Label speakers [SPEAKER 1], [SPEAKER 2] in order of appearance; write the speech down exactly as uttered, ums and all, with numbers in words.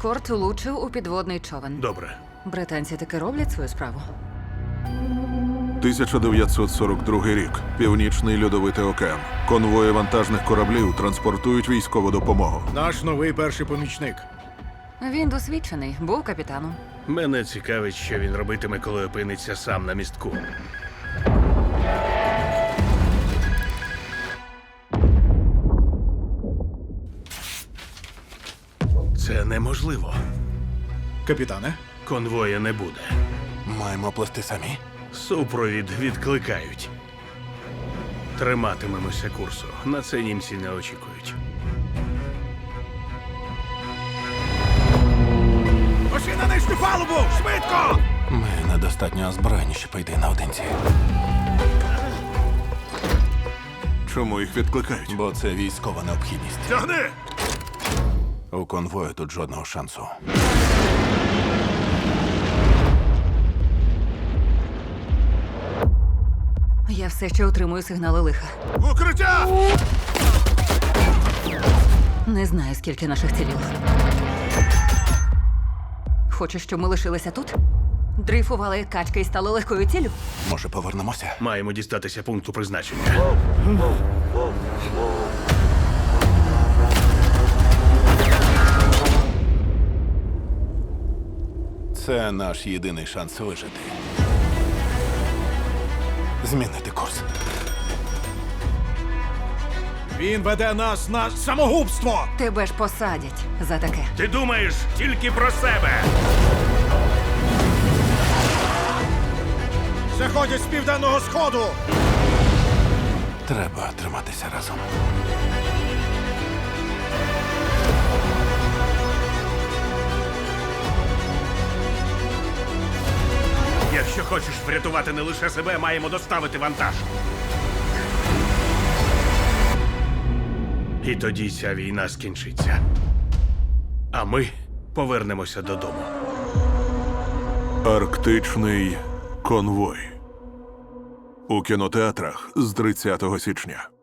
[SPEAKER 1] ескорт влучив у підводний човен.
[SPEAKER 2] Добре.
[SPEAKER 1] Британці таки роблять свою справу.
[SPEAKER 3] тисяча дев'ятсот сорок другий рік. Північний льодовитий океан. Конвої вантажних кораблів транспортують військову допомогу.
[SPEAKER 2] Наш новий перший помічник.
[SPEAKER 1] Він досвідчений, був капітаном.
[SPEAKER 4] Мене цікавить, що він робитиме, коли опиниться сам на містку. Це неможливо.
[SPEAKER 2] Капітане,
[SPEAKER 4] Конвоя не буде.
[SPEAKER 3] Маємо плести самі.
[SPEAKER 4] Супровід відкликають. Триматимемося курсу. На це німці не очікують.
[SPEAKER 2] пошли на нижню палубу! Швидко!
[SPEAKER 5] Ми недостатньо озброєні, щоб йти наодинці.
[SPEAKER 3] Чому їх відкликають?
[SPEAKER 5] Бо це військова необхідність.
[SPEAKER 2] Тягни!
[SPEAKER 5] У конвою тут жодного шансу.
[SPEAKER 1] Я все ще отримую сигнали лиха.
[SPEAKER 2] Укриття!
[SPEAKER 1] Не знаю, скільки наших цілів. Хочеш, щоб ми лишилися тут? Дрейфували як качки і стали легкою ціллю?
[SPEAKER 5] Може, повернемося?
[SPEAKER 4] Маємо дістатися пункту призначення.
[SPEAKER 5] Це наш єдиний шанс вижити. Змінити курс.
[SPEAKER 2] Він веде нас на самогубство!
[SPEAKER 1] Тебе ж посадять за таке.
[SPEAKER 4] Ти думаєш тільки про себе.
[SPEAKER 2] Заходять з південного сходу!
[SPEAKER 5] Треба триматися разом.
[SPEAKER 4] Якщо хочеш врятувати не лише себе, маємо доставити вантаж. І тоді ця війна скінчиться. А ми повернемося додому.
[SPEAKER 3] Арктичний конвой. У кінотеатрах з тридцятого січня.